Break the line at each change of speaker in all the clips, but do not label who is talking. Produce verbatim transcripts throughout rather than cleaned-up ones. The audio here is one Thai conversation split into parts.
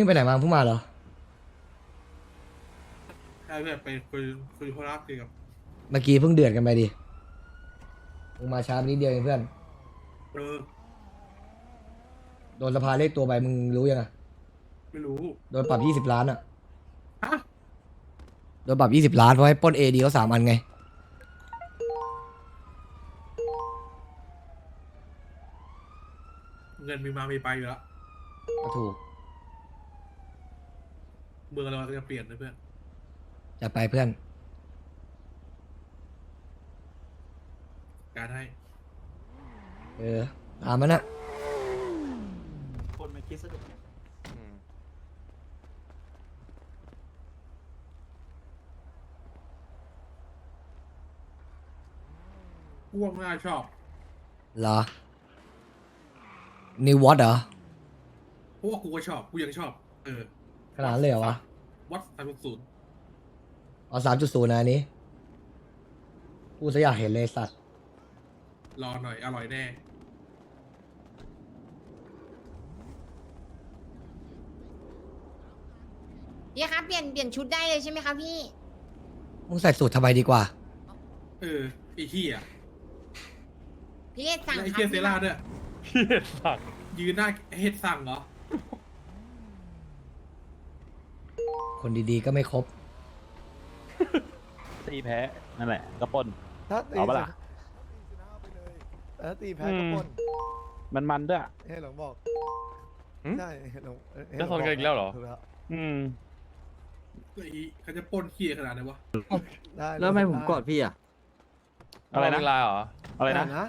นี่ไปไหนมาเพิ่งมาเหรอ
ใช่แบบไปคุยคุยโทรศัพท์กับ
เมื่อกี้เพิ่งเดือดกันไปดิมึงมาช้าไปนิดเดียวเองเพื่อน
เออ
โดนสภาเรียกตัวไปมึงรู้ยังอะ
ไม่รู้
โดนปรับยี่สิบล้านอะ
ฮะ
โดนปรับยี่สิบล้านเพราะให้ปล้นเอดีเขาสามอันไง
เงินมีมามีไปอยู่แล้ว
ก็ถูก
เมืองเราจะเปลี่ยนนะเพื่อน
จะไปเพื่อน
การให้
เออตามมันนะ
คนไม่คิดสนุก
พวกน่าชอบ
เหรอนิววอตเหรอ
เพราะว่ากูก็ชอบกูยังชอบเออ
ขนาดนั้นเลยเหรอวะ
วัดสามศูนย์
เอาสามจุดศูนย์นะอันนี้กูจะอยากเห็นเลยสัตว์
รอหน่อยอร่อยแน่
พี่ครับเปลี่ยนเปลี่ยนชุดได้เลยใช่ไหมครับพี่
มึงใส่สูตรทำไมดีกว่า
เออไอ้เหี้ย
พี่เอสสั่ง
และไอ้
ครั
เหี้ย
บ
เซล่าด้วย
พี่สัก
ยืนหน้าเฮ็ดสั่งเหรอ
คนดีๆก็ไม่ครบ
ตีแพ้นั่นแหละก็ปล้น
ถ้าตี
เอาปะล่ะ
ถ้าตีแพ้ก็ปล้น
มันมันด้วย
เฮ้ยหลงบอก
หืม
ใช่เฮ้ยหลงเอ้ย
จะชนกันอีกแล้วเหรอ
ถูกแล้ว
อืม
ไอ้เขาจะปล้นเหี้ยขนาดไหนวะ
ได้
แล้วทำไมผมกอดพี่อ่ะ
อะไรนะ
เวลาเหรอ
อะไรนะ
นะ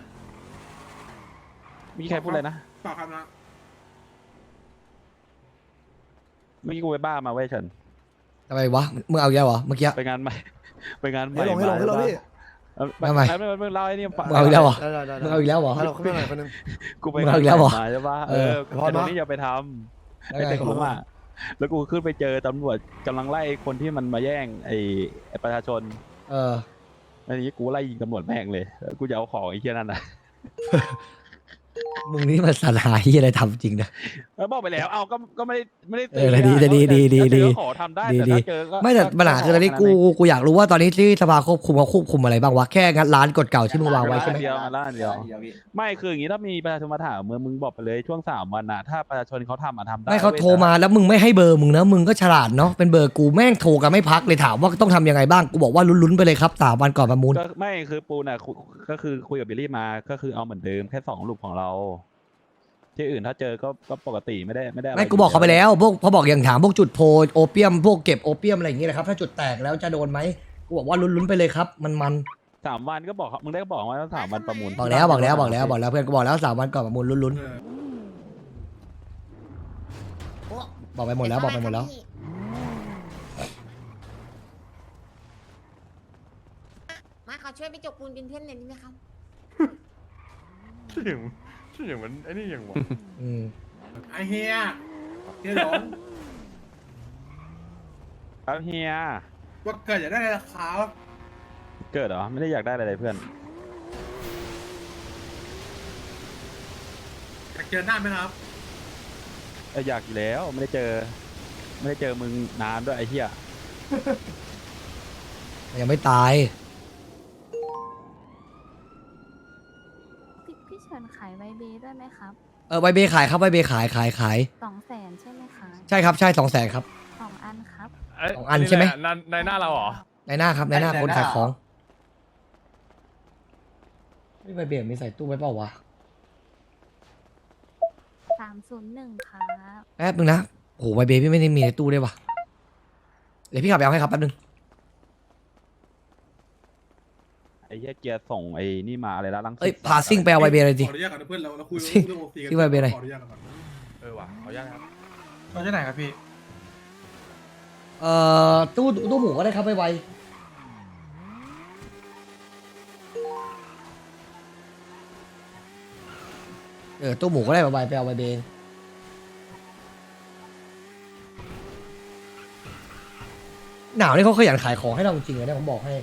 มีใครพูดอะไรนะ
เปล่าครับนะ
เมื่อกี้กูไปบ้ามาเว้ยเฉิน
ทำไมวะ มึงเอาอีกแล้วเหรอ เมื่อกี้
ไปงานใหม่ ไปงานใหม่
ให้หลงให้หลงให้หลงพี่
เออ
ทำไม
ไม่ไม่ไม่เล่าไอ้นี่ฟัง
มึงเอาอีกแล้วเหรอ
ได้ได้ได้
มึงเอาอีกแล้วเหรอ
ให้หลงขึ้นมาหน่อยคนหนึง
กูไป
มึงเอาอีกแล้วเหรอ
มาใช่ปะ
เอ
เอ
อ
อ
พอ
ไอ้
นะ
ตรงนี้อย่าไปทำ
แล้ว
ไอ้
ไง
เด็กผมอ่ะแล้วกูขึ้นไปเจอตำรวจกำลังไล่คนที่มันมาแย่งไอ้ไอ้ประชาชน
เออ
อันนี้กูไล่ยิงตำรวจแม่งเลยแล้วกูจะเอาของไอ้เหี้ยนั่นนะ
มึงนี่มันสลายที่อะไรทำจริงนะ
แล้วบอกไปแล้ว เอาก็ก็ไม่ได้ไม่ได้
เออดีดีดีดีดี
ถ้าเจอก็ขอทำได้
ดี
แต่
ดี
ถ้าเจอก็
ไม่แต่ปัญหาคือตอนนี้กูกูอยากรู้ว่าตอนนี้ที่สภาควบคุมเขาควบคุมอะไรบ้างวะ แค่งัดร้านกฎเก่าที่มึงวางไว้ใช่ไหม
เดียวมาล้านเดียว ไม่คืออย่างนี้ถ้ามีประชาชนมาถามมึงมึงบอกไปเลยช่วงสามวันนะถ้าประชาชนเขาทำอ่ะทำได้
ไม่เขา
ว้ย
โทรมาแล้วมึงไม่ให้เบอร์มึงนะมึงก็ฉลาดเนาะเป็นเบอร์กูแม่งโทรกันไม่พักเลยถามว่าต้องทำยังไงบ้างกูบอกว่าลุ้นๆไปเลยครับสามวันก่อนประมูล
ก็ไม่คือปูน่ะคุก็คือคุยกับบิลลี่มาก็คือเอาเหมือนเดิมแค่สองลูกของเรา ที่อื่นถ้าเจอก็ก็ปกติไม่ได้ไม่ได้ะร
ไม่กูบอกเขาไปแล้วพวกเขาบอกอย่างถามพวกจุดโพลโอเปียมพวกเก็บโอเปียมอะไรอย่างเงี้ยนะครับถ้าจุดแตกแล้วจะโดนไหมกูบอกว่าลุ้นๆไปเลยครับมันมัน
สามวันก็บอกเขามึงได้บอกว่าสามวันประมูล
บอกแล้วบอกแล้วบอกแล้วบอกแล้วเพื่อนกูบอกแล้วสามวันก่อนประมูลลุ้น
เออ
ๆบอกไปหมดแล้วบอกไปหมดแล้ว
มาขอช่วยไปจกปูนเป็นเพื่อนหน่อยได้ไหมครับ
ชื่ออย่างชื่ออย่างเหมือนไอ้นี่อย่างวะ
อืม
ไอ้เฮียเฮียหลง
ครับเฮีย
ว่าเกิดอยากได้ราคา
เกิดเหรอไม่ได้อยากได้อะไรเลยเพื่อน
อยากเจอหน้าไหมครับ
เอออยากอยู่แล้วไม่ได้เจอ ไม่ได้เจอมึงนานด้วยไอ้เหี้ย
ยังไม่ตาย
พี่พี่เชิญขายไวเบด้วยไหมครับ
เออใบเบขายครับใบเบขายขายขาย
สองแสนใช่ไหมคะ
ใช่ครับใช่สองแสนครับ
สองอันครับ
เย
สองอันใช่ไหม
ในในหน้าเราเหรอ
ในหน้าครับในหน้าคนขายของไม่ใบเบมีใส่ตู้ไว้เปล่าวะ
สามศูนย์หนึ่งครับ
แป๊บนึงนะโอ้โหใบเบพี่ไม่ได้มีในตู้ด้วยวะเดี๋ยวพี่ขับไปเอาให้ครับแป๊บนึง
ไอ้เหี้ยเกียร์ส่งไอ้นี่มาอะไรละลังสิต
เอ้ยพาซิ่งไปเอาใบเบเลยดิ
ขออนุญาตก่อนนะเพื่อนเราเราคุย
ซิ่ง
เรื่องโอซีกัน
ซิ่งไปเป็นไร
ขออนุญาตก่อน
เออว่ะขออนุญาตครับ
เราจะไหนครับพี่
เอ่อตู้ตู้หมูก็ได้ครับไวๆเออตู้หมูก็ได้ไวๆไปเอาใบเบหนาวนี่เขาขยันขายของให้เราจริงๆเลยนะผมบอกให้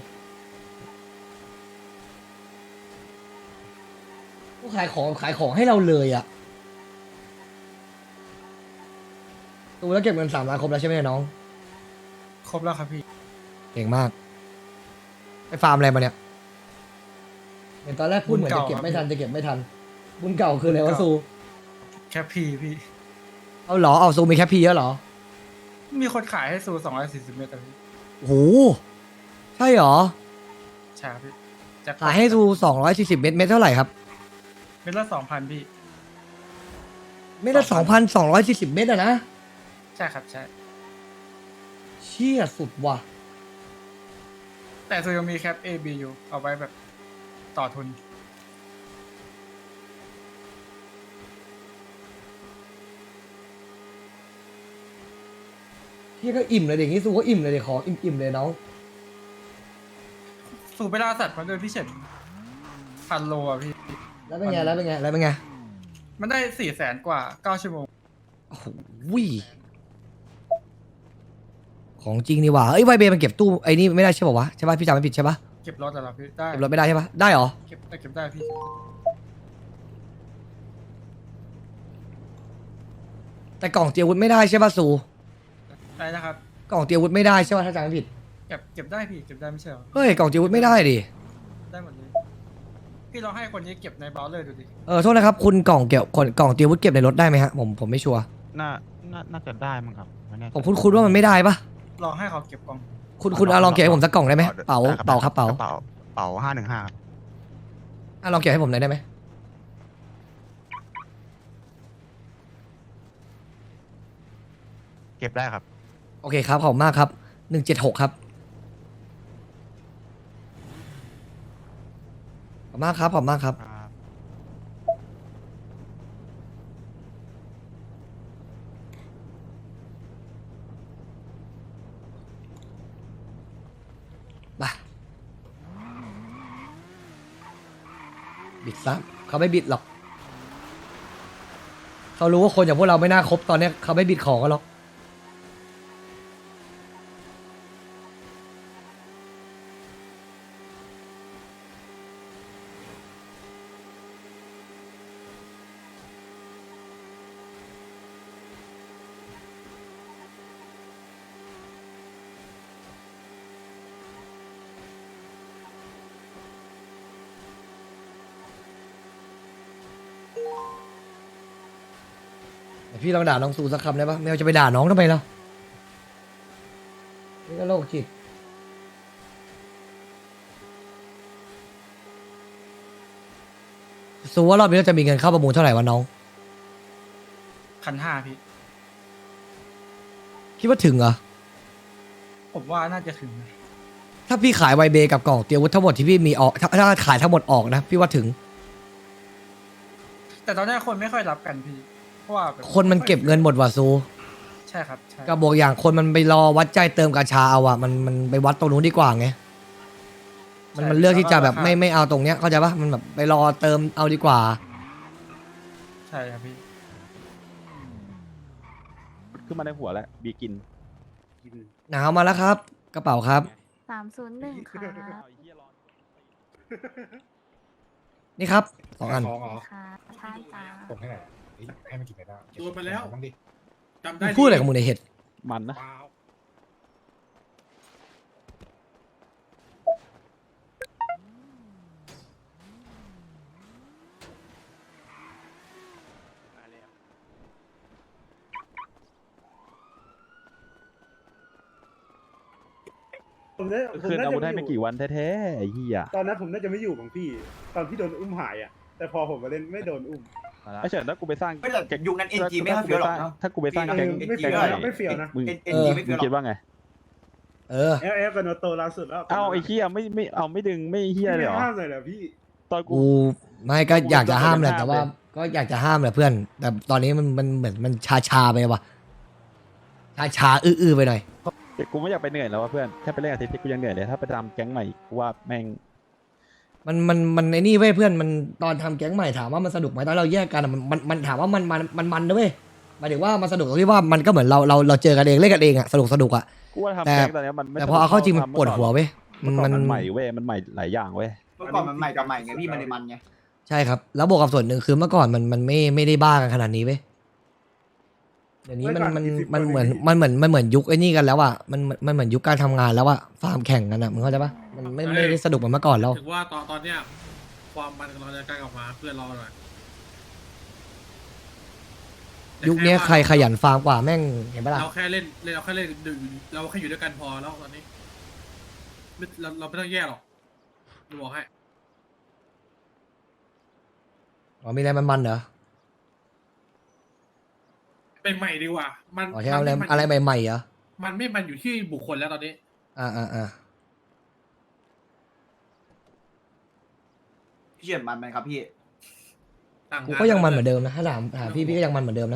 เขาขายของขายของให้เราเลยอ่ะตูแล้วเก็บเงินสามล้านครบแล้วใช่ไหมน้อง
ครบแล้วครับพี่
เก่งมากไปฟาร์มอะไรมาเนี่ยเห็นตอนแรกพูดเหมือนจะเก็บไม่ทันจะเก็บไม่ทันบุญเก่าคืออะไรวะซู
แคปพีพี่
เอาเหรอเอาซูมีแค่พีเยอะเหรอ
มีคนขายให้ซูสองร้อยสี่สิบเมตรอะพี่
โอ้โหใช่เหรอ
ใช่ครับพี่จะ
ขายให้ซูสองร้อยสี่สิบเมตรเมตรเท่าไหร่ครับ
เมตรละสองพันพี่
เมตรละสองพันสองร้อยสี่สิบเมตรอะนะ
ใช่ครับใช่
เชี่ยสุดว่ะ
แต่ซูยังมีแคป A B อยู่เอาไว้แบบต่อทุน
พี่ก็อิ่มเลยเด็กนี้ซูก็อิ่มเลยเด็กขออิ่มอิ่มเลยน้อง
สูบไปล่าสัตว์มาด้วยพี่เฉินพันโลอ่ะพี่
แล้วเป็นไงแล้วเป็นไงแล้วเป็นไง
มันได้สี่แสนกว่าเก้าชั่วโมง
โอ้โหของจริงนี่หว่าเอ้ยไวเบมันเก็บตู้ไอ้นี่ไม่ได้ใช่ป่าวะใช่ป่ะพี่จำไม่ผิดใช่ป่ะ
เก็บรถแต่ละพี่ได้
เก็บรถไม่ได้ใช่ป่ะได้เหรอ
เก็บได้เก็บได้พี่
แต่กล่องเตรียมอาวุธไม่ได้ใช่ป่ะซู
ได้นะครับ
กล่องเตรียมอาวุธไม่ได้ใช่ป่ะถ้าจำไม่ผิด
เก็บเก็บได้พี่เก็บได้ไม่ใช่เหรอ
เฮ้ยกล่องเตรียมอาวุธไม่ได้ดิ
ได้หมดเลยพี่ลองให้คนนี้เก็บในเบราว์เลอร์ดูดิ
เออโทษนะครับคุณกล่องเก็บกล่องกล่องเตรียมอาวุธเก็บในรถได้ไหมฮะผมผมไม่ชัวร์
น่าน่าน่าจะได้มั้งครับไม่แน่ใจ
ผมคุ้นคุ้นว่ามันไม่ได้ป่ะ
ลองให้เขาเก็บกล่อง
คุณคุณเอาลองเก็บให้ผมสักกล่องได้ไหมเป๋า
ได้
เป๋าครับเป๋า
เป๋าเป๋าห้าหนึ่งห้าครับ
อ่ะลองเก็บให้ผมหน่อยได้ไหม
เก็บได้ครับ
โอเคครับขอบคุณมากครับหนึ่งเจ็ดหกครับขอบคุณมากครับขอบคุณมากครับ
ครับ
มาบิดซะเขาไม่บิดหรอกเขารู้ว่าคนอย่างพวกเราไม่น่าคบตอนเนี้ยเขาไม่บิดของกันหรอกแต่พี่ลองด่าน้องซูสักคำได้ปะไม่เอาจะไปด่าน้องทำไมล่ะนี่ก็โรคจิตซูว่ารอบนี้เราจะมีเงินเข้าประมูลเท่าไหร่วะน้อง
คันห้าพี่
คิดว่าถึงเหรอ
ผมว่าน่าจะถึงนะ
ถ้าพี่ขายไวเบกับกล่องเตรียมอาวุธทั้งหมดที่พี่มีออกถ้าถ้าขายทั้งหมดออกนะพี่ว่าถึง
แต่ตอนนี้คนไม่ค่อยรับกันพี่เพราะว่าแบบ
คนมันเก็บเงินหมดว่ะซู
ใช่ครับใช่
ก็บอกอย่างคนมันไปรอวัดใจเติมกาชาเอาอะมันมันไปวัดตรงนู้นดีกว่าไงมันมันเลือกที่จะแบบไม่ไม่เอาตรงเนี้ยเข้าใจปะมันแบบไปรอเติมเอาดีกว่า
ใช่ครับพี่
ขึ้นมาในหัวแล้วบีกิน
หนาวมาแล้วครับ กระเป๋าครับ
สามศูนย์หนึ่งครับ
นี่ครับสองอัน
ค่ะใช่จ้า
ส่งให้หน่อยเฮ้ยให้มันกินไปแล้ว
โดนไปแล้ว
บ้างดิ
จำได้
มึงพูดอะไรกับมึงในเห็ด
มันนะ
ผมน่าผม
คืน
น่า
อาวุธ
จะ
ให้
ไม่
ไม่
อ
กี่
ยู่
วันแท้ๆไอ้เหี้ย
ตอนนั้นผมน่าจะไม่อยู่บางพี่ ตอนที่โดนอุ้มหายอ่ะ แต่พอผมมาเล่นไม่โดนอุ้ม
ไอ้เฉินถ้ากูไปสร้าง
ไม่แต่ยุคนั้น เอ็น จี ไม่ค่อยเฟี้ยวหรอกเนอะ
ถ้ากูไปสร้าง
เออ
แก๊ง
ไม่เฟี้ยว
แก๊ง
นะไม่เฟี้ยวนะ
มึง
เอ็นจีไม่
มึ
เฟี้
ง
ยวหรอก
คิดว่าไง
เออ
เอฟเอฟกับโนโตล่าสุดแล้ว
เอ้าไอ้เหี้ยไม่ไม่เอาไม่ดึงไม่เหี้ยเลยเหรอ
ห้ามเลยเหรอพี่
ตอนกู
กูไม่ก็อยากจะห้ามแหละ
ห้าม
แต่ว่า
เลย
ก็อยากจะห้ามแหละเพื่อน แต่ตอนนี้มันมันเหมือนมันชาชาๆไปว่ะชาชาๆอื้อๆไปหน่อย
แต่กูไม่อยากไปเหนื่อยแล้วว่ะเพื่อนแค่ไปเล่นอาทิตย์ที่กูยังเหนื่อยเลยถ้าไปทำแก๊งใหม่กูว่าแม่ง
มันมันมันไอ้นี่เว้ยเพื่อนมันตอนทำแก๊งใหม่ถามว่ามันสนุกไหมตอนเราแยกกันอะมันมันมันถามว่ามันมันมันมันนะเว้ยหมายถึงว่ามันสนุกตรงที่ว่ามันก็เหมือนเราเราเราเจอกันเองเล่นกันเองอะสนุกสนุกอะ
กูว่า
แต่
ทำแก๊งตอนเนี้ยมันไม่
แต่พอเอาเข้าจริงมัน
ทำ
ปวดหัวเว้ย
เมื่อก่
มั
อน
น
มันใหม่เว้ยมันใหม่หลายอย่างเว้ย
เมื่อก่อนมันใหม่กับใหม่ไงพี่มันเลยมันไง
ใช่ครับ แล้วบวกกับส่วนหนึ่งคือเมื่อก่อนมันมันไม่ไม่ได้บ้ากันขนาดนี้เว้ยเดี๋ยวนี้มันมันมันเหมือนมันเหมือนมันเหมือนยุคไอ้นี่กันแล้วอ่ะมันมันมันเหมือนยุคการทำงานแล้วอ่ะฟาร์มแข่งกันอ่ะมึงเข้าใจปะมันไม่ไม่ได้สนุกเหมือนเมื่อก่อนแล้ว
ถึงว่าตอนตอนเนี้ยความมันเราจะใกล้ออกมาเพื่อนเราหน่อย
ยุคนี้ใครขยันฟาร์มกว่าแม่งเห็นปะล่ะ
เราแค่เล่นเล่นเราแค่เล่นดึงเราแค่อยู่ด้วยกันพอแล้วตอนนี้ไม่เราเราไม่ต้องแยกหรอกดูบอกให้
อ๋อมีอะไรมันมันเหรอ
เป็นใหม่ดีกว่า มัน
อ๋อที่เอาอะไร
มัน
อะไรใหม่ๆเหรอ
มันไม่มันอยู่ที่บุคคลแล้วตอนนี้
อ่าอ่าอ่า
พี่เฉียนมันไหมครับพี่
ต่าง
กูก็ยังมันเหมือนเดิมนะถ้าถามถามพี่พี่ก็ยังมันเหมือนเดิมนะ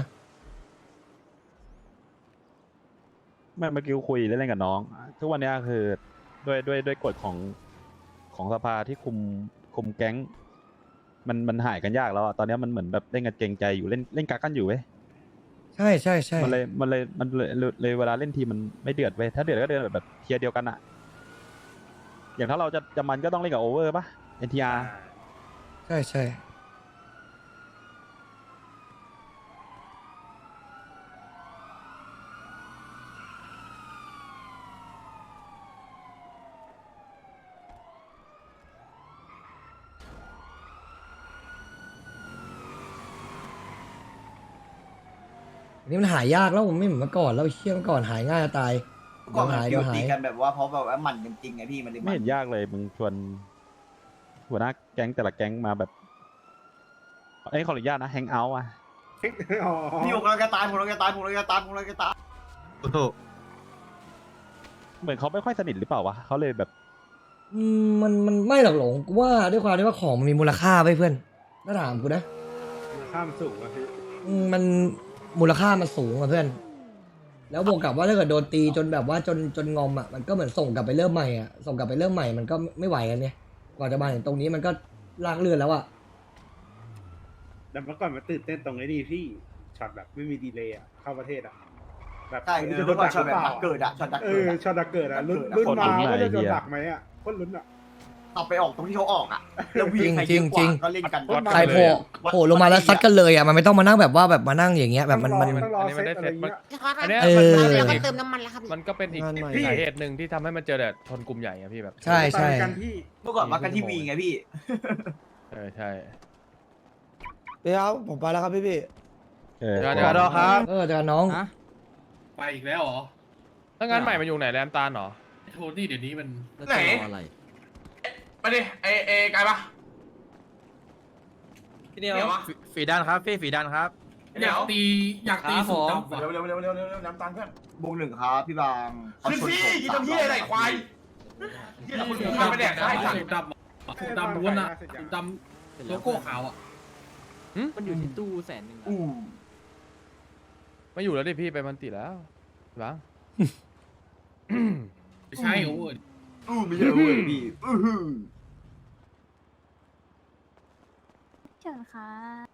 ไม่เมื่อกี้กูคุยเล่นๆกับน้อง ทุกวันเนี้ยคือด้วยด้วยด้วยกฎของของสภาที่คุมคุมแก๊ง มันมันหายกันยากแล้วอะตอนเนี้ยมันเหมือนแบบเล่นกันเกรงใจอยู่เล่นเล่นกักกันอยู่เว้ย
ใช่ใช่ใช่
มันเลยมันเลยมันเลยเลยเลยเวลาเล่นทีมันไม่เดือดเว้ยถ้าเดือดก็เดือดแบบเทียร์เดียวกันอะอย่างถ้าเราจะจะมันก็ต้องเล่นกับโอเวอร์ป่ะ เอ็น ที อาร์
ใช่ใช่อันนี้มันหายยากแล้วผมไม่เหมือนเมื่อก่อนแล้วเชี่ยเมื่อก่อนหายง่ายจะตาย
ก็มัน
หาย
ฟิ
เดี๋ยว วหา
ตี
ย
กันแบบว่าเพราะแบบว่าหมันกันจริงไงพี่มันเลย
ไม่
มัน
เห็นยากเลยมึงชวนหัวหน้าแก๊งแต่ละแก๊งมาแบบไอ้ยขออนุญาตนะแฮงเอาท์อะ
อ๋อ
พี่ผมเราจะตายผมเราจะตายผมเราจะตายผมเราจะตาย
เหมือนเขาไม่ค่อยสนิทหรือเปล่าวะเขาเลยแบบ
อืมมันมันไม่หรอกหลงกูว่าด้วยความที่ว่าของมันมีมูลค่าไปเพื่อนถ้าถามกูนะ
ข้ามสูงอะพี่
อืมมันมูลค่ามันสูงอะเพื่อน แล้วบวกกับว่าถ้าเกิดโดนตีจนแบบว่าจนจนงอมอ่ะมันก็เหมือนส่งกลับไปเริ่มใหม่อ่ะส่งกลับไปเริ่มใหม่มันก็ไม่ไหวกันเนี่ยกว่าจะมาถึงตรงนี้มันก็ลากเลือนแล้วอ่ะ
แต่เมื่อก่อนมันตื่นเต้นตรงไอ้นี่พี่ช็อตแบบไม่มีดีเลย์อะเข้าประเทศอะแบบ
ใช่
มัน
เอ
จะ
อ
โด
เมื่
น
อก่อน
ดัก
ช็อ
ห
ต
รือ
แบบ
เปล่า
ดักเกิดอะช็อตดัก
เอ
เกิด
อ
อะ
ช็อตดักเกิดอะลุ้น
ดักเกิดอะ
ลุ้นมา
คนลุ้น
ว่าจะโดน
ไอ้เหี้ย
ดักไหมอะคนลุ้นอะ
เอาไปออกตรงที่เขาออกอะแล้ววิ่งใครเยอะกว่าก็เล่นกัน
ใครโผล่โผล่ลงมาแล้วซัดกันเลยอ่ะมันไม่ต้องมานั่งแบบว่าแบบมานั่งอย่างเงี้ยแบบมันมัน
ต้องรอ
อันนี้มัน
เซ
ได้
ตอะไร
เซตมัน
เงี้ย
พี่คอส
อันเนี้ย
เออ
แล้วก็เติมน้ำมันแล้วครับพี่
มันก็เป็นอีก
งานใหม่
สาเหตุหนึ่งที่ทำให้มันเจอแต่ชนกลุ่มใหญ่อะพี่แบบ
ใช่ใช่
ตายกันพี่
เมื่อก่อนมากันที่วีไงพี่
เออใช่
พี่ครับผมไปแล้วครับพี่พี่
เออ
เดี๋ยวเดี๋ยวเดี๋ยวครับ
เออจะน้อง
ไปอีกแล้วเหรอ
ถ้างานใหม่มันอยู่ไหนแรมตาลเหรอ
โทนี่เดี๋ยวนี้มัน
ไหนไปดิเอเอไกลปะ
พี่เดียว
เดี๋ยววะ
ฝีดันครับพี่ฝีดันครับ
อยากตีอยากตีสูงต่ำว่ะ
เร็วเร็วเร็วเร็วเร็วเร็วน้ำตาลเพื่อน
วงหนึ่งครับพี่บางเขา
ขึ้น
ชน
ที่
ผม
กินทำที่อะไรควายที่เราคุณข้าไปแดกได้สัต
สูง
ว์
ดำอะสูงดำล้วนอะสูงดำโลโก้ขาวอะ
มันอยู่ที่ตู้แสนหนึ่ง
อู้
ไม่อยู่แล้วดิพี่ไปมันติแล้วบ้าง
ไม่ใช่โอ้ย
อู้ไม่ใช่เว้ยพี่อื้อหือ
เชิญค่ะ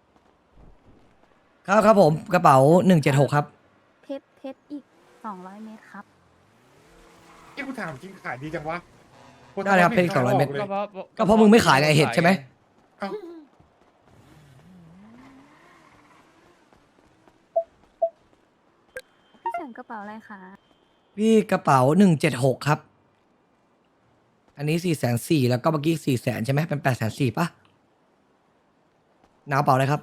ครับครับผมกระเป๋าหนึ่งเจ็ดหกครับ
เพชรเพชรอีกสองร้อยเมตรครับ
ที่กูถามจริงขายดีจังวะ
ได้ครับเพชรสองร้อยเม็ด
ก็เพราะ
ก็เพราะมึงไม่ขายไงเห็ดใช่ไหม
พี่เฉินกระเป๋าอะไรคะ
พี่กระเป๋าหนึ่งเจ็ดหกครับ อันนี้สี่แสนสี่แล้วก็เมื่อกี้สี่แสนใช่ไหมเป็นแปดแสนสี่ปะน้ากระเป๋าอะไรครับ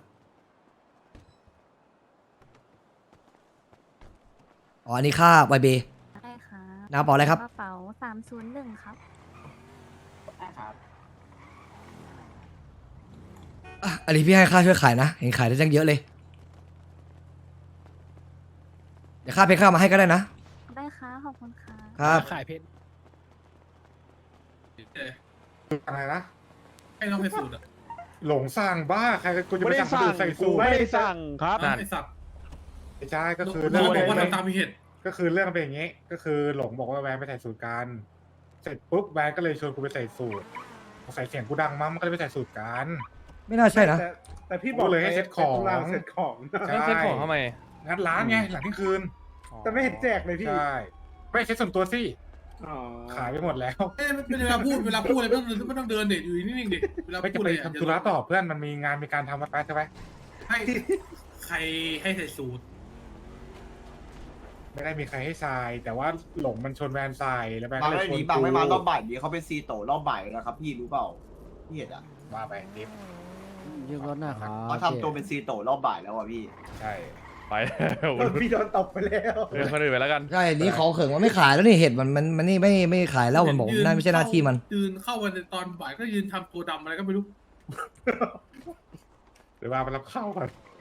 อ๋ออันนี้ค่าไวเบ
ได้ค่ะ
น้ากระเป๋าอะไรครับ
กระเป๋าสามศูนย์หนึ่งครับ
อ่ะอันนี้พี่ให้ค่าช่วยขายนะเห็นขายได้จังเยอะเลยเดี๋ยวค่าเพชรค่ามาให้ก็ได้นะ
ได้ค่ะขอบคุณค่ะ
ครับ
ขายเพชร
อะไรนะ
ให้น้องไปสูตรอะ
หลงสร้างบ้าใครกูจะ
ไม่
ไป
ได้
สั่ง
สั่
คน
ง
อื่นใส่
กู
สูท
ไม่ได้สั่งครับ
ไอ้สัตว์
ไม่ใช่ก็คือ
น้
เรื่
อ
อง ง
บอกว่า
เป็น
ทำตามมีเหตุ
ก็คือเรื่องเป็นอย่างงี้ ก็คือหลงบอกว่าแวนไปใส่สูตรกันเสร็จปุ๊บแวนก็เลยชวนกูไปใส่สูตรใส่เสียงกูดังมั้งมันก็เลยไปใส่สูตรกัน
ไม่น่าใช่นะ
แต่แต่พี่บอกเลยให้เซ็ตของเซ็ตของ
แล้วเซ็ตของทำไม
งัดร้านไงหลังเที่ยงคืน แต่ไม่เห็นแจกเลยพี่ ใช่ ไม่เซ็ตส่วนตัวสิขายไปหมดแล้ว
เอ้ยเวลาพูดเวลาพูดอะไรไม่ต้องไม่ต้องเดินเด็ดอยู่นิ่งๆเด็เวลา
ไม่จะ
พูด
ไป
อะไร
ทำธุระต่อเพื่อนมันมีงานมีการทำมาไปใช่ไหม
ให้ใครให้ใส่สูตร
ไม่ได้มีใครให้ทราย แต่ว่าหลงมันชนแวนทรายแล้วแวน
บาง
ก็เลย
ไม่
ช
ห
น
นี
กู
บางไม่มารอบบ่ายนี้เขาเป็นซีโตรอบบ่ายแล้วครับพี่รู้เปล่าพี่เห็นอ่ะ
ว่าไปดิฟ
ยืมรถหน้าครับ
เขาทำตัวเป็นซีโตรอบบ่ายแล้วอ่ะพี่
ใช่
ไปแล้ว
พี่โดนตบไปแล้ว
เรื่องคนอื่นไปแล้วกัน
ใช่นี่ขอเขิงว่าไม่ขายแล้วนี่เห็ดมันมันมันนี่ไม่ไม่ขายแล้วมันบอกนั่นไม่ใช่หน้าที่มัน
ยืนเข้าวันในตอนบ่ายก็ยืนทำตัวดำอะไรก็ไม่รู้
หรือว่าไปรับข้าวก่อน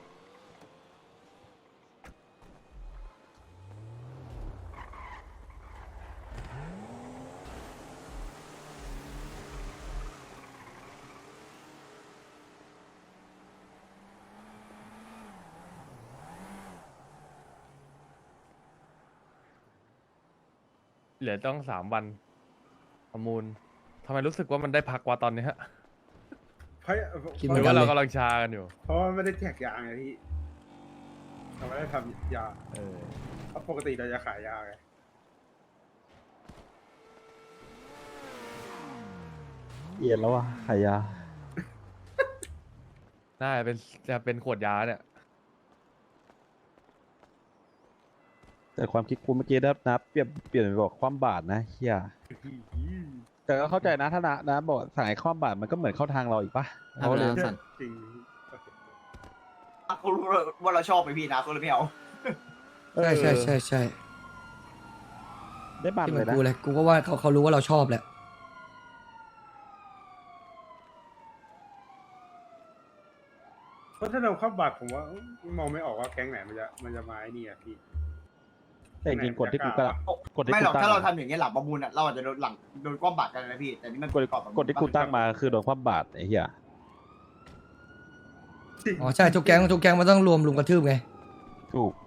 เหลือต้องสามวันประมูลทำไมรู้สึกว่ามันได้พักว่าตอนเนี้ย
เพราะ
คิด
ห
เหมื
รือ อน
กั
ว่าน
เล
เรา
ย
กำลังชากันอยู่
เพราะว่าไม่ได้แจกยาไงพี่เราไม่ได้ทำยา
เออ
เพราะปกติเราจะขายยาไง
เอียนแล้ววะขายยา
น่าจะเป็นจะเป็นขวดยาเนี่ย
แต่ความคิดกูเมื่อกี้นะนะเปลี่ยนเปลี่ยนไปบอกความบาดนะเฮียแต่ก็เข้าใจนะถ้านะนะบอกสายความบาดมันก็เหมือนเข้าทางเราอีกปะเขาเลย
จริง
เขารู้ว่าเราชอบไหมพี่นะเขาเลยไม่เอา
ใช่ใช่ใช่ใช่
ได้บัตร
ที่เห
เล
มือย น
นะ
กูเลยกูก็ว่าเขาเขารู้ว่าเราชอบแหละ
เพราะถ้าเราเข้าบัตรผมว่ามองไม่ออกว่าแก๊งไหนมันจะมันจะมาไอ้นี่อ่ะพี่
แต่จริงๆกดที่กูก็กดที่
ไม่
กู
หรอก
ตั้ง
ถ้าเราทำอย่างนี้ยหลังประมูลอ่ะเราอาจจะโดนหลังโดนก้อมบาดกันนะพี่แต่นี่มัน
กด
ก่อนประมูล
กดที่กูตั้งมาคือโดนความบาดไอ้เหี้ย
อ๋อใช่ทุกแก๊งทุกแก๊งมันต้องรวมลุมกระทืบไง
ถูก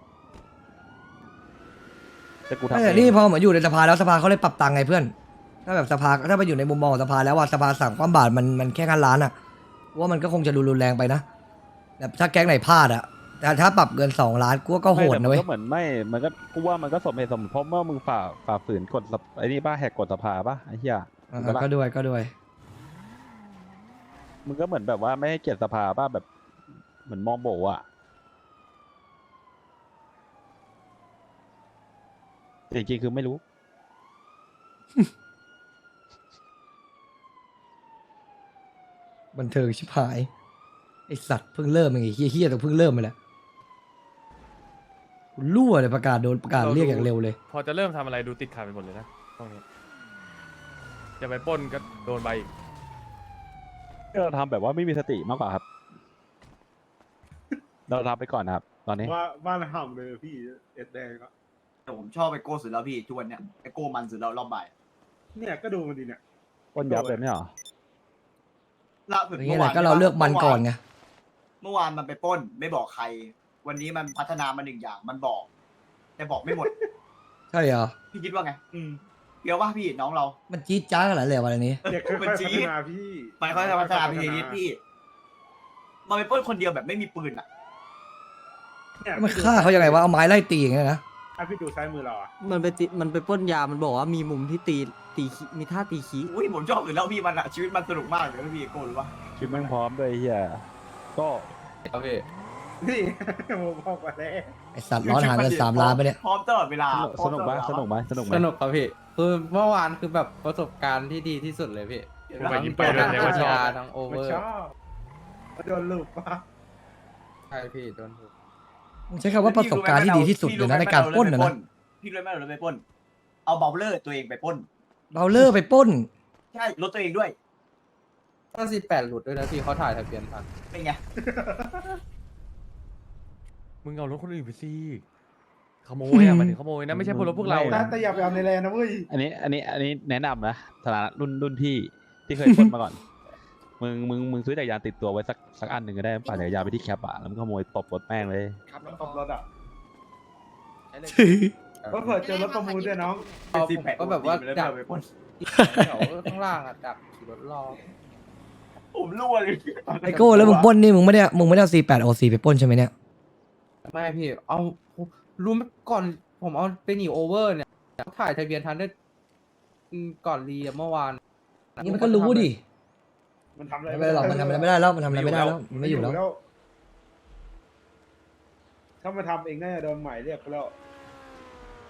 แต่กูทำ
ไม่แต่
เอง
นี่พอเหมือนอยู่ในสภาแล้วสภาเขาเลยปรับตังค์ไงเพื่อน ถ้าแบบสภาถ้าไปอยู่ในมุมมองของสภาแล้วว่าสภาสั่งความบาทมันมันแค่การล้านอ่ะว่ามันก็คงจะรุนแรงไปนะแต่ถ้าแก๊งไหนพลาดอ่ะแต่ถ้าปรับเกินสองล้านกูว่าก็โหด
ไม่แต่
นะ
มั
เว้ย
ก็เหมือนไม่มันก็กูว่ามันก็สมเหตุสมผลเพราะเมื่อมึงฝ่าฝ่าฝืนกฎสภไอ้นี่ป้าแหกกฎสภาป่ะไอ้เหี้ย
อ่า
ถูกปะล่ะ
ก็ด้วยก็ด้วย
มึงก็เหมือนแบบว่าไม่ให้เกียรติสภาป่ะแบบเหมือนมองโบอ่ะแต่จริงๆคือไม่รู้
บันเทิงชิบหายไอสัตว์เพิ่งเริ่มเองไอ้เฮี้ยเฮี้ยแต่เพิ่งเริ่มไปแล้วกูรั่วเลยประกาศโดนประกาศเรียกอย่างเร็วเลย
พอจะเริ่มทำอะไรดูติดขัดไปหมดเลยนะตรงนี้จะไปปล้นก็โดนใบอีก
เราทำแบบว่าไม่มีสติมากกว่าครับ เราทำไปก่อนนะครับ ตอนนี้
ว่าบ้านห่ำเลยพี่เอ็ดแดงก็
แต่ผมชอบไอโก้สุดแล้วพี่ทุกวันเนี้ยไอโก้มันสุดแล้วรอบบ่าย
เนี่ยก็ดูมันดีเนี่ย
ปล้นยับเลยไม่เหรอ
ล่าสุด
อย่างเงี้ยแหละก็เราเลือกมันก่อนไง
เมื่อวานมันไปปล้น ไม่บอกใคร วันนี้มันพัฒนามาหนึ่งอย่างมันบอก แต่บอกไม่หมด
ใช่เหรอ
พี่คิดว่าไง อืมเดี๋ยวว่าพี่น้องเรา
มันจี๊ดจ้าขนาดเลยวันนี้
เด็กค่อยๆ
มัน
พั
จี๊
ฒ
ด
นาพี่
มันเขาจะพัฒนาไปทีนี้พี่ มันไปปล้นคนเดียวแบบไม่มีปืนอ่ะ
เนี่ย
มันฆ่าเขายังไงวะเอาไม้ไล่ตีอย่างเงี้ยนะ
อ่ะพี่ดูซ้ายมือเราอ่ะ
มันไปติมันไปปล้นยา มันบอกว่ามีมุมที่ตีตีขี้มีท่าตีขี้
อุ้ยผมชอบอยู่แล้วพี่มันอะชีวิตมันสนุกมากเลยนะพี่โก้รู้ปะ
คิดแม่งพร้อมด้วยไอ้เฮียก็
ครับพี่
นี่ ผมบอกมาแล้ว
ไอสัตว์ร้อนหาเงินสามล้านไปเนี่ย
พร้อมตลอดเวลาพร้อ
ส
ม
นุก
ตล
ไหม
อดเวลา
สนุกไหมสนุกไหม
สนุกครับพี่คือเมื่อวานคือแบบประสบการณ์ที่ดีที่สุดเลยพี่
กูไปยิ้มไปด้วยเนี่ยว่าชอบ
ทั้งโอเว
มัน
อร์
ชอบมันโดนลูกปะ
ใช่พี่โดนถูก
มึงใช้คำว่าประสบการณ์ที่ดีที่สุดเลยนะในการปล้นนะนะ
พี่รู้ไหมเราไปปล้น เอาเบลเลอร์ตัวเองไปปล้น
เราเลิกไปปล้น
ใช่รถตัวเองด้วย
ก็สิบแปดหลุดด้วยนะพี่เขาถ่ายทะเบียนทัน
เป็นไง
มึงเอารถคนอื่นไปสิขโมยอ่ะมันถึงขโมยนะไม่ใช่พวกรถพวกเรา
แต่
นะ
แต่อย่าไปเอาในแลนด์นะเว้ย
อันนี้อันนี้อันนี้แนะนำนะฐานะรุ่นรุ่นพี่ที่เคยปล้นมาก่อน มึงมึงมึงซื้อจักรยานติดตัวไว้สักสักอันหนึ่งก็ได้ปั่นจักรยานไปที่แคปอะแล้วมึงขโมยตบรถแม่งเลย
ครับ
ตบรถอ่ะ
ก็
ก็เผื่อเจอรถประมูลด้วยน้อง
เอาผมก็แบบว่าดัก
ไปปล้น
แถวข้างล่างอะดักขี่รถรอ
ผมรั่วเลย
ไอโก้แล้วมึงปล้นนี่มึงไม่ได้มึงไม่ได้เอาซีแปดโอซีไปปล้นใช่ไหมเนี่ย
ไม่พี่ เอารู้ไหมก่อนผมเอาไปหนีโอเวอร์เนี่ยถ่ายทะเบียนทันได้อืมก่อนรีอะเมื่อวาน
นี่มันก็รู้ดิ
มันทำอะไร
ไม่เป็นไรหรอกมันทำอะไรไม่ได้แล้วมันทำอะไรไม่ได้แล้วมันไม่อยู่แล้ว
ถ้ามาทำเองน่าจะโดนหมายเรียกไปแล้ว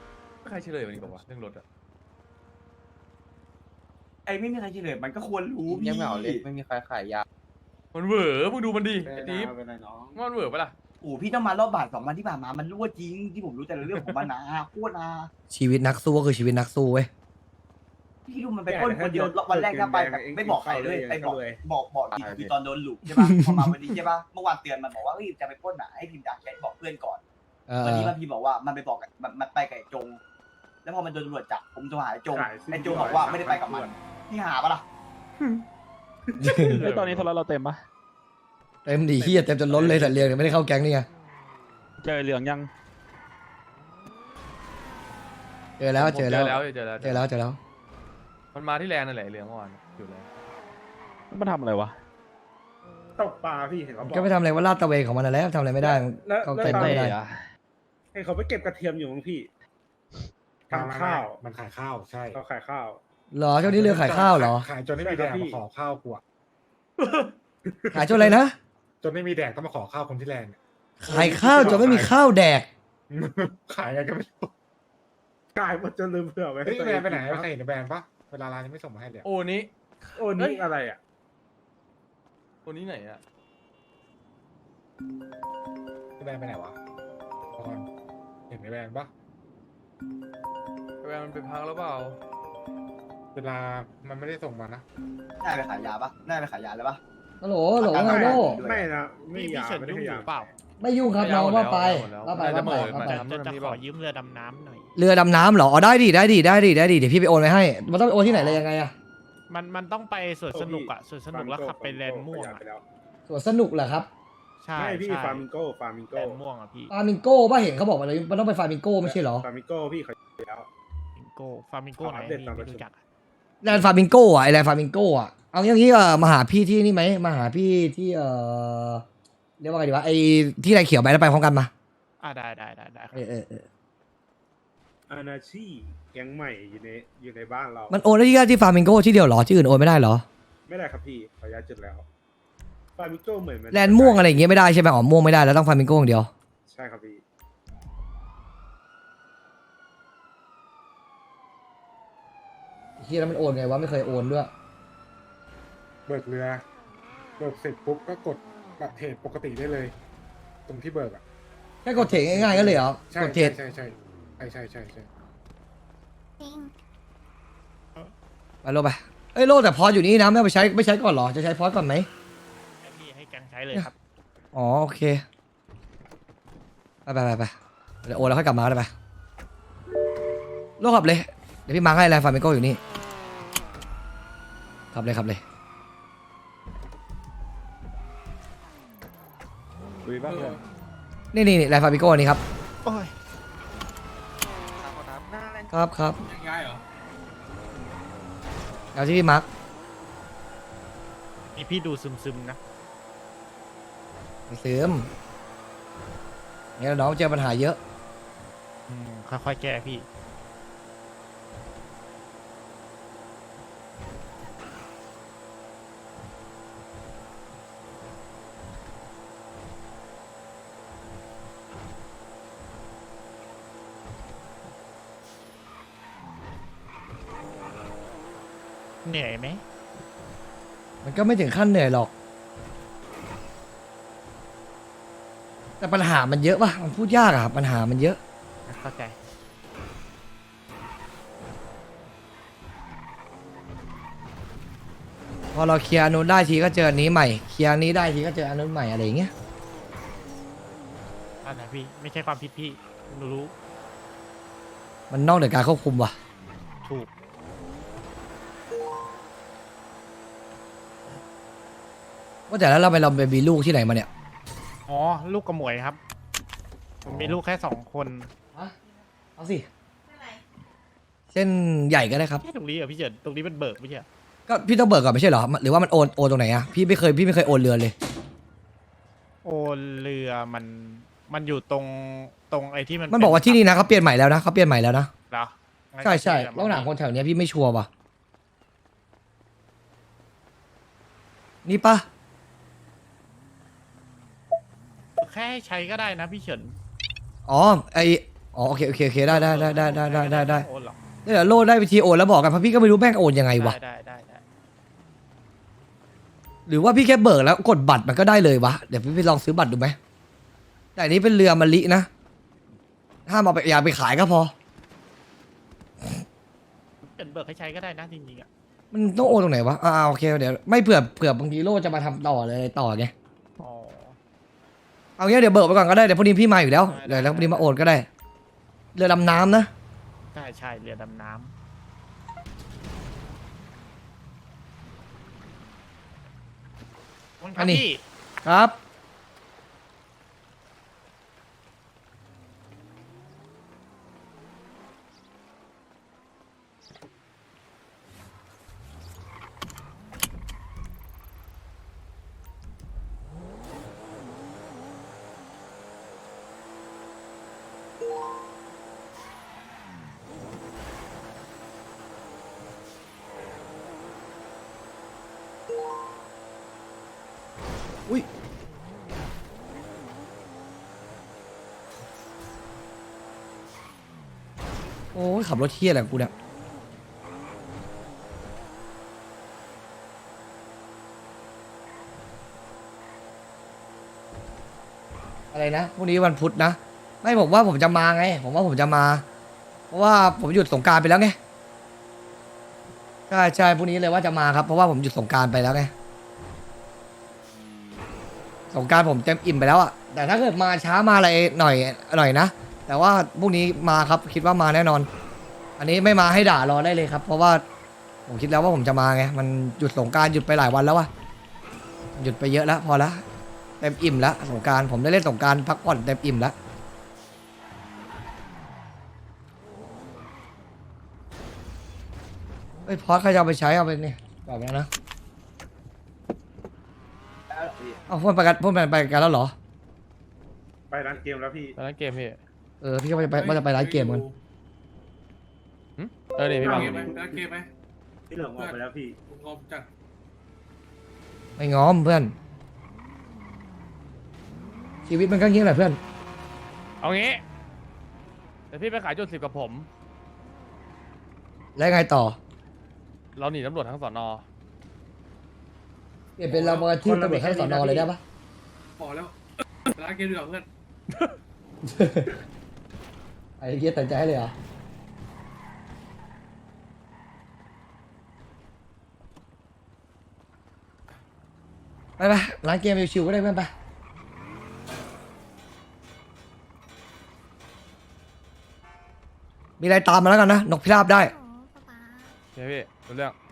ใครเฉลยวันนี้บอกว่าเรื่องรถอะ
ไอ้ไม่มีใครเฉลยมันก็ควรรู้พี่
ยังไม่เอาเลยไม่มีใครขายยา
มันเหวอมึงดูมันดิไอ้ติ๊บมันเหวอปะล่ะ
โอ้พี่ต้องมารอบบาทสองวันที่ผ่านมามันรั่วจริงที่ผมรู้แต่ละเรื่องของมันนะโคตรนะ
ชีวิตนักสู้ก็คือชีวิตนักสู้เว้ย
พี่ดูมันไปปล้นคนเดียววันแรกก็ไปแบบไม่บอกใครเลยไปบอกบอกบอกอีกทีตอนโดนหลุกใช่ปะพอมาวันนี้ใช่ปะเมื่อวานเตือนมันบอกว่าเฮ้ยจะไปปล้นอ่ะให้พิมพ์ด่าแชทบอกเพื่อนก่อน
เออ
วันนี้มันพิมพ์บอกว่ามันไปบอกกับมันมันไปกับไอ้จง แล้วพอมันโดนตำรวจจับผมโทรหาไอ้จงไอ้จงบอกว่าไม่ได้ไปกับมันพี่หาปะล่ะ
ไอ้ยตอนนี้โทรศัพท์เราเต็มปะ
เต็มดีเฮียเต็มจนล้นเลยแต่เรียงเนี่ยไม่ได้เข้าแก๊งนี่ไง
เจอเหลืองยัง
เจอแล้วเจอแล้ว
เจอแล้วเจอแล้ว
เจอแล้วเจอแล้ว
มันมาที่แลนด์นั่นแหละไอ้เหลืองเมื่อวานอยู่แล้ว
มันทำอะไรวะ
ตกปลาพี่เห็นเขาบอก
ก็ไม่ทำอะไรว่าลาดตระเวนของมันนั่นแหละทำอะไรไม่ได้
แล้ว
เขา
แล้ว
เต็มไม่ได้
เห็นเขาไปเก็บกระเทียมอยู่มั้งพี่ทำข้าวมันขายข้าวใช่เขาขายข้าว
เหรอช่วงนี้เรือขายข้าวเหรอ
ขายจนไม่มีแดกมาขอข้าวกูอะ
ขายจนอะไรนะ
จนไม่มีแดกต้องมาขอข้าวคนที่แลนด์
ขายข้าวจนไม่มีข้าวแดก
ขายอะไรก็ไม่รู้ขายหมดจนลืมเผื่อไว้เฮ้ยแบรนด์ไปไหนใครเห็นแบรนด์ปะเวลาร้านยังไม่ส่งมาให้เลย
โอ้นี้
โอ้นี่อะไรอ่ะ
โอ้นี้ไหนอะ
แบรนด์ไปไหนวะพอนเห็นแบรนด์ปะ
แวร์มันไปพักแล้วเปล่า
เวลามันไม่ได้ส่งมานะ
น่าไปขายยาปะน่าไปขายยาเลยปะ
ฮัลโหลฮัลโหลไงโน่
ไม่นะไม่ยาไม่ได้ยาเปล่า
ไม่ยุ่งครับน้องว่าไปว่าไป
จะ
ว่า
เห
ไป
มือน
ว่าไป
จะจะขอยืมเรือดำน้ำหน่อย
เรือดำน้ำเหรออ๋อได้ดิได้ดิได้ดิได้ดิเดี๋ยวพี่ไปโอนไปให้ มันต้องไปโอนที่ไหนเลยยังไงอะ
มันมันต้องไปสวนสนุกอะสวนสนุกแล้วขับไปแลนด์ม่วงอะ
สวนสนุกเหรอครับ
ใช่
ไม่พี่
ใช่
ฟาร์มิงโก้ฟาร์มิง
แล
โก้
นด์ม่วงอะพี่
ฟาร์มิงโก้ป่ะเห็นเขาบอกมาเลยมันต้องไปฟาร์มิงโก้ไม่ใช่เหรอ
ฟาร์มิงโก้พี่เขาแล้ว
ฟาร์มิงโก้ฟาร์มิงโก้ไหน
อัปเดต
พี่
ตามประ
ไม่
ชุม
รู้จักอะ
แลนด์ฟาร์มิงโก้อะไอแลนด์ฟาร์มิงโก้อะเอาอย่างนี้เออมาหาพี่ที่นี่ไหมมาหาพี่ที่เออเรียกว่าไงดีวะไอที่ไรเขียวไปแล้วไปพร้อมกันมา
อ่าได้ได้ได้ได้ครับ
เออเออเออ
อานาชีแก๊งใหม่อยู่ในอยู่ในบ้านเรา
มันโอนได้ที่ที่ฟาร์มิงโก้ที่เดียวเหรอที่อื่นโอนไม่ได้เหรอ
ไม่ได้ครับพี่ขออนุญาตจุดแล้วฟาร์มิงโก้เหมือนมัน
แลนด์ม่วงอะไรอย่างเงี้ยไม่ได้ใช่ไหมอ๋อม่วงไม่ได้แล้วต้องฟาร์มิงโก้อย่างเดียว
ใช่ครับพี่
เฮียแล้วมันโอนไงวะไม่เคยโอนด้วย
เบิกเรือเบิกเสร็จปุ๊บก็กดบัตรเทรดปกติได้เลย ตรงที่เบิกอ่ะ
แค่กดเทรดง่ายๆก็เลยเหรอ
ใช่
กดเทรด
ใช่ใช่ใช่ใช่ใช่ใช่
ไปโลไปเอ้ยโลแต่พออยู่นี่นะไม่เอาไปใช้ไม่ใช้ก่อนเหรอจะใช้พอสก่อนไหม
ให้พี่ให้แกงใช้เลยครับ
อ๋อโอเคไปไปไปไปเดี๋ยวโอนแล้วค่อยกลับมาก็ได้ไปโลขับเลยเดี๋ยวพี่มาร์คให้แลนด์ฟาร์มิงโก้อยู่นี่ขับเลยขับเลย
คุยบ้างเลย
นี่นี่นี่แลนด์ฟาร์มิงโก้นี่ครับ
โอ้ย
ครับครับ
ยังย้ายเหรอ
เอาที่พี่มาร์ค
นี่พี่ดูซึมซึมๆนะ
เสื่อมเนี่ยน้องเจอปัญหาเยอะ
อืมค่อยๆแก้พี่ เหนื่อยไหม
มันก็ไม่ถึงขั้นเหนื่อยหรอก แต่ปัญหามันเยอะป่ะมันพูดยากอะปัญหามันเยอะ
เข้าใจ
พอเราเคลียร์อันนู้นได้ทีก็เจออันนี้ใหม่เคลียร์อันนี้ได้ทีก็เจออันนู้นใหม่อะไรอย่างเงี้ย
อันไหนพี่ ไม่ใช่ความผิดพี่หนูรู้
มันนอกเหนือการควบคุมว่ะ
ถูก
ว่าแต่แล้วเราไปเราไปมีลูกที่ไหนมาเนี่ย
อ๋อ ลูกกระหมวยครับ ผมมีลูกแค่สองคน
เอาสิเส้นใหญ่ก็ได้ครับ
แค่ตรงนี้เหรอพี่เจิดตรงนี้มันเบิกไม่ใช่เหรอ
ก็พี่ต้องเบิกก่อนไม่ใช่เหรอหรือว่ามันโอนโอนตรงไหนอะพี่ไม่เคยพี่ไม่เคยโอนเรือนเลย
โอเรือมันมันอยู่ตรงตรงไอ้ที่มัน
มันบอกว่าที่นี่นะเขาเปลี่ยนใหม่แล้วนะเขาเปลี่ยนใหม่แล้วนะ
เหรองั้น
ใช่ใช่
ก็
แล้วหนังคนแถวเนี้ยพี่ไม่ชัวร์ว่ะนี่ปะ
แค่ให้ใช้ก็ได้นะพี่เฉิน
อ๋อไออ๋อโอเคโอเคโอเคได้ได้ได้ได้ได้ได้ได้ได้
โอนหรอ
เดี๋ยวโลดได้วิธีโอนแล้วบอกกันเพราะพี่ก็ไม่รู้แม่งโอนยังไงวะ
ได้ได้ได้
หรือว่าพี่แค่เบิกแล้วกดบัตรมันก็ได้เลยวะเดี๋ยวพี่ไปลองซื้อบัตรดูไหมแต่อันนี้เป็นเรือมะลินะห้ามเอาไปอย่าไปขายก็พอ
เป็นเบิกให้ใช้ก็ได้นะจริงๆอ่ะ
มันต้องโอนตรงไหนวะอ่าโอเคเดี๋ยวไม่เผื่อเผื่อบางทีโลจะมาทำต่อเลยต่อไง
อ๋อ
เอางี้เดี๋ยวเบิกไปก่อนก็ได้เดี๋ยวพรุ่งนี้พี่มาอยู่แล้วเดี๋ยวแล้วพรุ่งนี้มาโอนก็ได้เรือดำน้ำนะ
ใช่ใช่เรือดำน้ำ
อันนี้ครับ อุ้ยโอ้ยขับรถเที่ยอะไรของกูเนี่ยอะไรนะพรุ่งนี้วันพุธนะ ไม่ผมว่าผมจะมาไง ผมว่าผมจะมา เพราะว่าผมหยุดสงกรารไปแล้วไงใช่ใช่พรุ่งนี้เลยว่าจะมาครับเพราะว่าผมหยุดสงกรารไปแล้วไง สงกรารผมเต็มอิ่มไปแล้วอะแต่ถ้าเกิดมาช้ามาอะไรหน่อยหน่อยนะ แต่ว่าพรุ่งนี้มาครับคิดว่ามาแน่นอน อันนี้ไม่มาให้ด่ารอได้เลยครับ เพราะว่าผมคิดแล้วว่าผมจะมาไงมันหยุดสงกรารหยุดไปหลายวันแล้ววะหยุดไปเยอะแล้วพอละเต็มอิ่มแล้วสงกรารผมได้เล่นสงกรารพักผ่อนเต็มอิ่มแล้วเฮ้ยพอสใครจะเอาไปใช้เอาไปนี่บอกแล้วนะเอาพวกไปกันพวกไปไปกันแล้วเหรอ
ไปร้านเกมแล้วพี่
ตอนนั้นเกมพี่
เออพี่ก็จะไปว่าจะไปร้านเกมกัน
หึเออเนี่ยพี่
ไป
บัง
เกมไหมไปเกมไหม
พี่เหลิมออกไปแล้วพี่
งอมจัด
ไม่ง้อมเพื่อน ชีวิตมันก็เงี้ยแหละเพื่อน
เอางี้เดี๋ยวพี่ไปขายจุดสิบกับผม
แล้วไงต่อ
เราหนีตำรวจทั้งสอนอ
เปลี่ยนเป็นเรามาที่ตำรวจให้สอนอเลยได้ปะ
พอแล้วร้านเกมดีกว่าเพื่อน
ไอ้เงี้ยตัดใจให้เลยเหรอไปไปร้านเกมชิวๆก็ได้เพื่อนไปมีอะไรตามมาแล้วกันนะนกพิราบได้
โอ้ป๊าป๊า
โอเคพี่รู้เรื่อง